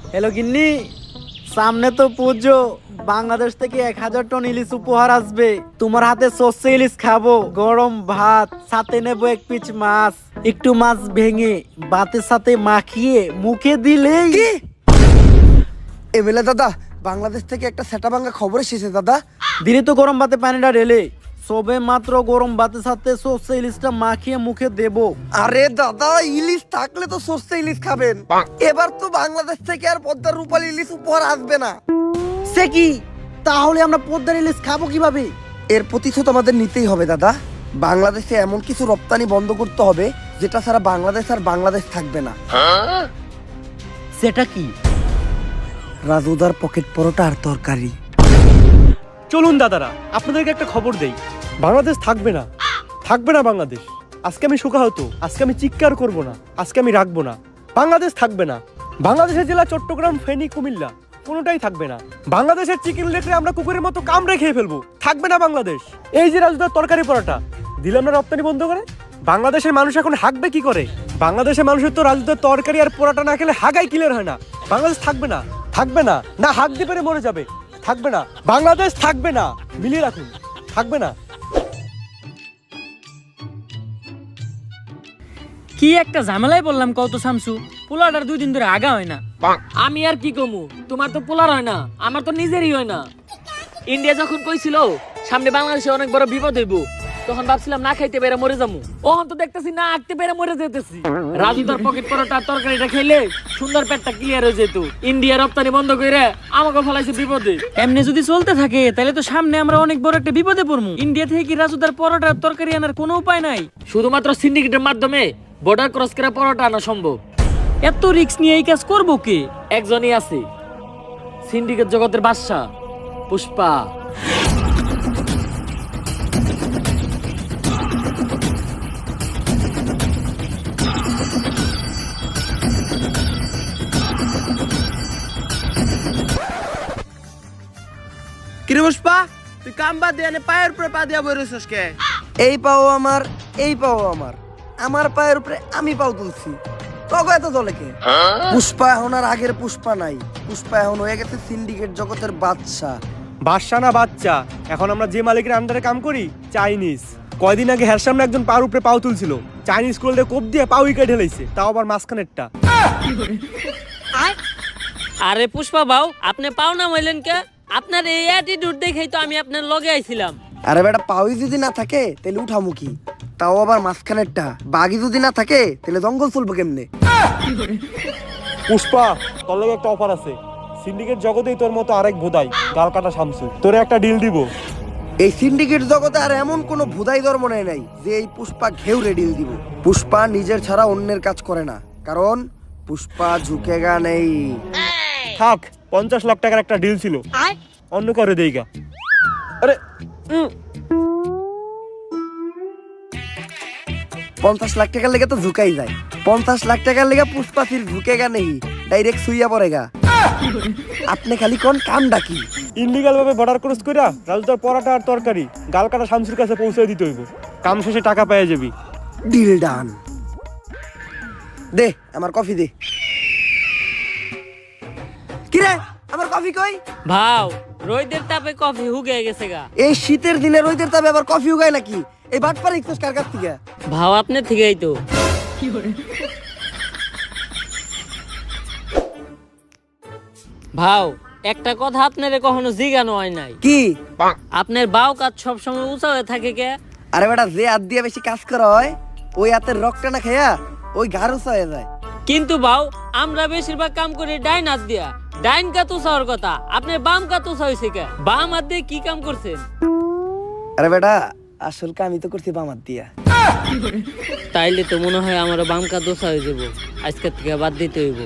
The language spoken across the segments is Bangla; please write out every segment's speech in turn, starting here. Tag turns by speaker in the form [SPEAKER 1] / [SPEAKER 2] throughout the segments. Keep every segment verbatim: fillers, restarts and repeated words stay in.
[SPEAKER 1] হ্যালো গিন্নি, সামনে তো পুজো। বাংলাদেশ থেকে এক হাজার টন ইলিশ উপহার আসবে। তোমার হাতে সর্ষে ইলিশ খাবো, গরম ভাত, সাথে নেবো এক পিস মাছ। একটু মাছ ভেঙে ভাতের সাথে মাখিয়ে মুখে দিলেই।
[SPEAKER 2] এমএলএ দাদা, বাংলাদেশ থেকে একটা সেটা ভাঙা খবর এসেছে দাদা।
[SPEAKER 1] দিনে তো গরম ভাতে পানিটা ঢেলে সবে মাত্র গরম ভাতের সাথে সর্ষে ইলিশটা মাখিয়ে মুখে দেবো।
[SPEAKER 2] আরে দাদা, ইলিশ থাকলে তো সর্ষে ইলিশ খাবেন। এবার তো বাংলাদেশ থেকে আর পদ্মার রূপালী ইলিশ উপহার আসবে না।
[SPEAKER 1] সে কি? তাহলে আমরা পদ্মার ইলিশ খাবো কিভাবে?
[SPEAKER 2] এর প্রতিশোধ আমাদের নিতেই হবে দাদা। বাংলাদেশে এমন কিছু রপ্তানি বন্ধ করতে হবে যেটা ছাড়া বাংলাদেশ আর বাংলাদেশ থাকবে না।
[SPEAKER 1] সেটা কি?
[SPEAKER 2] রাজুদার পকেট পরোটা আর তরকারি।
[SPEAKER 3] চলুন দাদারা, আপনাদেরকে একটা খবর দেই। বাংলাদেশ থাকবে না, থাকবে না বাংলাদেশ। আজকে আমি শোকাহত, আজকে আমি চিৎকার করব না, আজকে আমি রাখবো না। বাংলাদেশ থাকবে না। বাংলাদেশের জেলা চট্টগ্রাম, ফেনী, কুমিল্লা কোনোটাই থাকবে না। বাংলাদেশের চিকেন লেটে আমরা কুকুরের মতো কামড়ে খেয়ে ফেলবো। থাকবে না বাংলাদেশ। এই যে রাজুদার তরকারি পরোটা দিলাম না রপ্তানি বন্ধ করে, বাংলাদেশের মানুষ এখন হাঁকবে কি করে? বাংলাদেশের মানুষের তো রাজুদার তরকারি আর পরোটা না খেলে হাগাই ক্লিয়ার হয় না। বাংলাদেশ থাকবে না, থাকবে না, না হাঁক দিয়ে পেরে মরে যাবে। থাকবে না, বাংলাদেশ থাকবে না। মিলিয়ে রাখুন, থাকবে না।
[SPEAKER 4] কি একটা ঝামেলায় বললাম কত শামসু, পোলাটার দুই দিন ধরে আগা হয় না। আমি আর কি কমু, তোমার তো পোলার হয় না, আমার তো নিজেরই হয় না। ইন্ডিয়া যখন কইছিল সামনে বাংলাদেশে অনেক বড় বিপদ হইব, তখন ভাবছিলাম না খাইতে পেরে মরে যাবো। ওহন তো দেখতেছি না আঁকতে পেরে মরে যেতেছি। রাজু তার পকেট পরোটা তরকারিটা খেলে সুন্দর পেটটা ক্লিয়ার হয়ে যেত। ইন্ডিয়া রপ্তানি বন্ধ করে আমাকে ফলাইছে বিপদে। এমনি যদি চলতে থাকে তাহলে তো সামনে আমরা অনেক বড় একটা বিপদে পড়বো। ইন্ডিয়া থেকে কি রাজুদার পরোটা তরকারি আনার কোনো উপায় নাই? শুধুমাত্র সিন্ডিকেটের মাধ্যমে বর্ডার ক্রস করে পরোটা আনা সম্ভব। এত রিস্ক নিয়ে এই কাজ করবো কে? একজনই আছে, সিন্ডিকেট জগতের বাদশা পুষ্পা।
[SPEAKER 5] কিরে পুষ্পা, তুই কাম বাদ দিয়ে পায়ের উপরে পা দিয়া বইরেছিস কে?
[SPEAKER 2] এই পাও আমার, এই পাও আমার, আমার পায়ের উপরে আমি পাও তুলছি। তবে এত দলে কে? পুষ্পা এখন আর আগের পুষ্পা নাই। পুষ্পা এখন হয়ে গেছে সিন্ডিকেট জগতের বাদশা।
[SPEAKER 3] বাদশা না বাচ্চা, এখন আমরা যে মালিকের আন্ডারে কাম করি চাইনিজ। কয়দিন আগে হের সামনে একজন পার উপরে পাও তুলছিল, চাইনিজ কোল্ডে কোপ দিয়ে পাও উইকে ঢেলাইছে, তাও আবার মাঝখানেরটা।
[SPEAKER 4] আরে পুষ্পা বাউ, আপনি পাও না মাইলেন কে? আপনার এই অ্যাটিটিউড দেখেই তো আমি আপনার লগে আইছিলাম।
[SPEAKER 2] আরে বেটা, পাওই যদি না থাকে তাহলে উঠামুখী, তাও আবার মাঝখানেরটা। বাঘি যদি না থাকে তাহলে জঙ্গল চলবো কেমনে?
[SPEAKER 3] পুষ্পা, তোর লগে একটা অফার আছে। সিন্ডিকেট জগতেই তোর মতো আরেক ভোদাই গাল কাটা শামসু, তোরে একটা ডিল দিব।
[SPEAKER 2] এই সিন্ডিকেট জগতে আর এমন কোন ভুদাই ধর্ম নেই নাই যে এই পুষ্পা ঘেউরে ডিল দিব। পুষ্পা নিজের ছাড়া অন্যের কাজ করে না, কারণ পুষ্পা ঝুঁকেগা নেই।
[SPEAKER 3] থাক, পঞ্চাশ লাখ টাকার একটা ডিল ছিল, অন্য করে দেইগা। আরে উম,
[SPEAKER 2] পঞ্চাশ লাখ টাকার লেগে তো ঝুঁকাই যায়। পঞ্চাশ লাখ টাকার লেগে পুষ্পা ফির ঝুঁকেগা নেই, ডাইরেক্ট সুইয়া পড়েগা। আপনি খালি কোন কাম ডাকি
[SPEAKER 3] ইনলিগাল ভাবে বর্ডার ক্রস কইরা রাজুদার পরোটা আর তরকারি গাল কাটা শামসুর কাছে পৌঁছে দিতে হইব। কাম শেষে টাকা পেয়ে যাবি।
[SPEAKER 2] Deal done. দে আমার কফি দে। কিরে, আমার কফি কই?
[SPEAKER 4] ভাও, রোদের তাপে কফি হুগে গেছে গা।
[SPEAKER 2] এই শীতের দিনে রোদের তাপে আবার কফি উগায় নাকি? এই বাটপার ইকছস কার কাছ থেকে?
[SPEAKER 4] ভাও আপনি থেকেই তো। ভাও, একটা কথা আপনারে কখনো জিজ্ঞানো হয় নাই।
[SPEAKER 2] কি?
[SPEAKER 4] আপনার বাউ কাজ সবসময় উঁচা হয়ে থাকে কে?
[SPEAKER 2] আরে বেটা, যে হাত দিয়ে বেশি কাজ করা হয় ওই হাতের রক্তটা না খাইয়া ওই ঘাড় উঁচা হয়ে যায়।
[SPEAKER 4] কিন্তু বাউ, আমরা বেশিরভাগ কাম করি ডাইন হাত দিয়া। ডাইন কাত উঁচা হওয়ার কথা, আপনার বাম কাত উঁচা হয়েছে কে? বাম হাত দিয়ে কি কাম করছেন?
[SPEAKER 2] আরে বেটা, আসল কাম আমি তো করছি বাম হাত দিয়া।
[SPEAKER 4] তাইলে তো মনে হয় আমারও বাম কাত উঁচা হয়ে যাবো, আজকের থেকে বাদ দিতে হইব।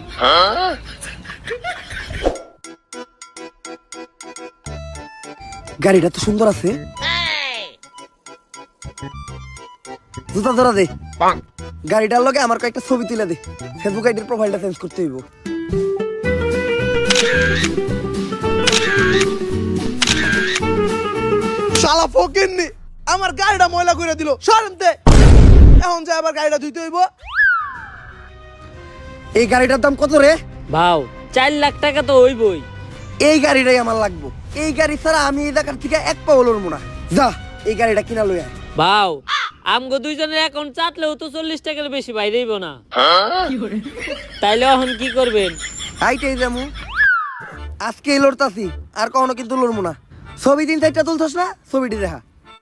[SPEAKER 2] গাড়িটা তো সুন্দর আছে। জুতা ধরা দে। গাড়িটার লগে আমার কয়েকটা ছবি তুলে দে, ফেসবুক আইডির প্রোফাইলটা চেঞ্জ করতে হইব।
[SPEAKER 5] শালা ফকিন্নি আমার গাড়িটা ময়লা করে দিল, সরেন দে। এখন যা আবার গাড়িটা ধুইতে হইব।
[SPEAKER 2] এই গাড়িটার দাম কত রে?
[SPEAKER 4] ভাও, চার লাখ টাকা তো হইবই।
[SPEAKER 2] এই গাড়িটাই আমার লাগবো। এই গাড়ি ছাড়া আমি এই জায়গার থেকে এক পা লড়বো না। যা এই গাড়িটা কিনা লই আয়।
[SPEAKER 4] ভাও আমগো দুইজনের অ্যাকাউন্ট চাটলেও তো চল্লিশ টাকার বেশি বাইরেইব না। তাইলে এখন কি করবেন?
[SPEAKER 2] হাইটাই যামু, আজকে লড়তাছি, আর কখনো কিন্তু লড়বো না। ছবি দিন সাইডটা তুলছস না, ছবিটি দেখা।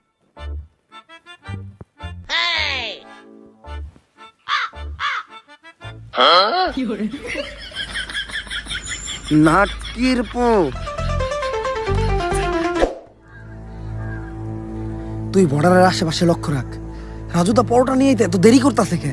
[SPEAKER 2] নাটকির পো তুই বর্ডারের আশেপাশে লক্ষ্য রাখ। রাজুদা পরোটা নিয়ে এত দেরি করতেছে কে?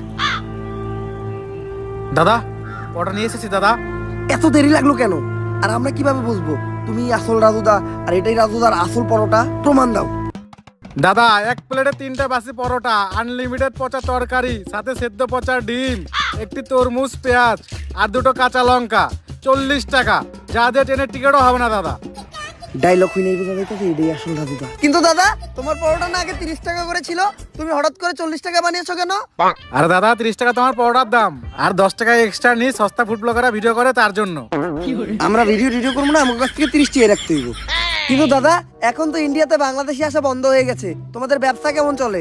[SPEAKER 1] দাদা অর্ডার নিয়ে এসেছি দাদা।
[SPEAKER 2] এত দেরি লাগলো কেন? আর আমরা কিভাবে বুঝবো তুমি আসল রাজুদা আর এটাই রাজুদার আসল পরোটা? প্রমাণ দাও।
[SPEAKER 1] দাদা এক প্লেটে তিনটা বাসি পরোটা, আনলিমিটেড পচা তরকারি, সাথে সেদ্ধ পচা ডিম, একটি তরমুজ, পেঁয়াজ আর দুটো কাঁচা লঙ্কা, চল্লিশ টাকা। যা দিয়ে ট্রেনের টিকিটও হবে না দাদা।
[SPEAKER 2] ডায়লগ হই নাই বোঝা যাইতেছে এটাই আসল রাজুদা। কিন্তু দাদা তোমার পরোটা না আগে তিরিশ টাকা করে ছিল, তুমি হঠাৎ করে চল্লিশ টাকা বানিয়েছো কেন?
[SPEAKER 1] আরে দাদা তিরিশ টাকা তোমার পরোটার দাম, আর দশ টাকা এক্সট্রা নিয়ে সস্তা ফুড ব্লগাররা ভিডিও করে তার জন্য।
[SPEAKER 2] আমরা ভিডিও ভিডিও করবো না, আমার কাছ থেকে তিরিশ টাকা রাখতে হইব। কিন্তু দাদা এখন তো ইন্ডিয়াতে বাংলাদেশি আসা বন্ধ হয়ে গেছে, তোমাদের ব্যবসা কেমন চলে?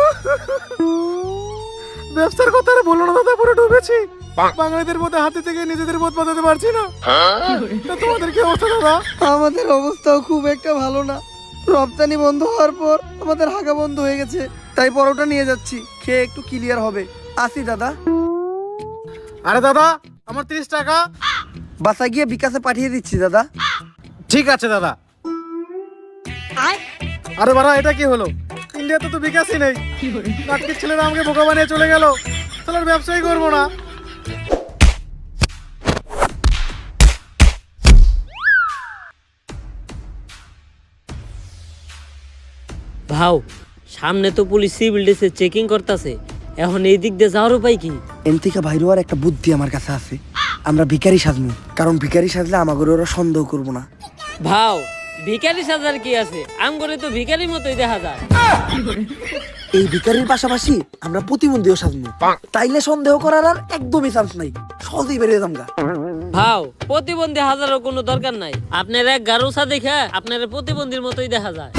[SPEAKER 1] ব্যবসার কথা আর বলো না দাদা, পুরো ডুবেছি। বাঙালিদের মধ্যে হাতে থেকে নিজেদের বোধ বাঁচাতে পারছি না। তা তোমাদের কি অবস্থা দাদা?
[SPEAKER 2] আমাদের অবস্থাও খুব একটা ভালো না। রপ্তানি বন্ধ হওয়ার পর আমাদের হাগা বন্ধ হয়ে গেছে, তাই পরোটা নিয়ে যাচ্ছি, খেয়ে একটু ক্লিয়ার হবে। আসি দাদা।
[SPEAKER 1] আরে দাদা আমার তিরিশ টাকা।
[SPEAKER 2] বাসা গিয়ে বিকাশে পাঠিয়ে দিচ্ছি দাদা।
[SPEAKER 1] ঠিক আছে দাদা। আরে বাড়া এটা কি হলো? ইন্ডিয়াতে তো বিকাশই নেই। নাটকের ছেলেরা আমাকে বোকা বানিয়ে চলে গেল। তাহলে আর ব্যবসাই করবো না।
[SPEAKER 4] ভাও সামনে তো পুলিশ সিভিল ডিসে চেকিং করতেছে, এখন এই দিক দিয়ে যাওয়ার উপায় কি?
[SPEAKER 2] এন থেকে বাইরে আর একটা বুদ্ধি আমার কাছে আছে। আমরা ভিখারি সাজবো, কারণ ভিখারি সাজলে আমাকে ওরা সন্দেহ করবো না।
[SPEAKER 4] ভাও ভিখারি সাজার কি আছে? আম করে তো ভিখারির মতোই দেখা যায়।
[SPEAKER 2] এই ভিখারির পাশাপাশি আমরা প্রতিবন্ধীও সাজবো, তাইলে সন্দেহ করার আর একদমই চান্স নাই, সহজেই বেরিয়ে যামগা।
[SPEAKER 4] ভাও প্রতিবন্ধী হাজারও কোনো দরকার নাই, আপনার এক গারুসা দেখে আপনার প্রতিবন্ধীর মতোই দেখা যায়।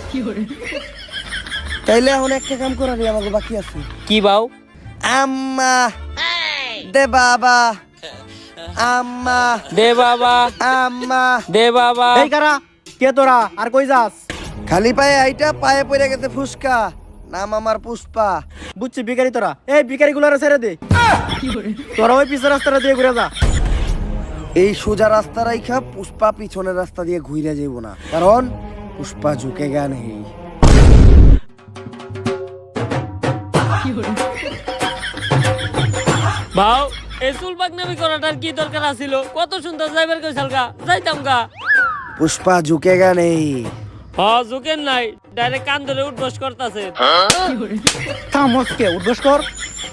[SPEAKER 2] তাইলে এখন একটা কাম করার আমাকে বাকি আছে।
[SPEAKER 4] কি ভাও?
[SPEAKER 2] আম্মা দে বাবা, আম্মা
[SPEAKER 4] দে বাবা,
[SPEAKER 2] আম্মা
[SPEAKER 4] দে বাবা।
[SPEAKER 1] এই কারা কে তোরা? আর কই যাস?
[SPEAKER 2] খালি পায়ে আইটা পায়ে পড়ে গেছে ফুসকা, নাম আমার পুষ্পা।
[SPEAKER 1] বুঝছি ভিখারি তোরা। এই ভিখারি গুলারে ছেড়ে দে। তোরা ওই পিছের রাস্তাটা দিয়ে ঘুরে যা।
[SPEAKER 2] এই সোজা রাস্তা রাইখা পুষ্পা পিছনের রাস্তা দিয়ে ঘুরে যাইব না, কারণ পুষ্পা ঝুঁকে গা নেই।
[SPEAKER 4] ভাও এই চুল পাকনামি করাটার কি দরকার আছিল? কত সুন্দর যাইবার কইছাল গা, যাইতাম গা।
[SPEAKER 2] পুষ্পা ঝুঁকে গা নেই।
[SPEAKER 4] হ ঝুঁকেন নাই, ডাইরেক্ট কান ধরে উঠবস করতাছে।
[SPEAKER 1] থামসকে উদ্বোস কর।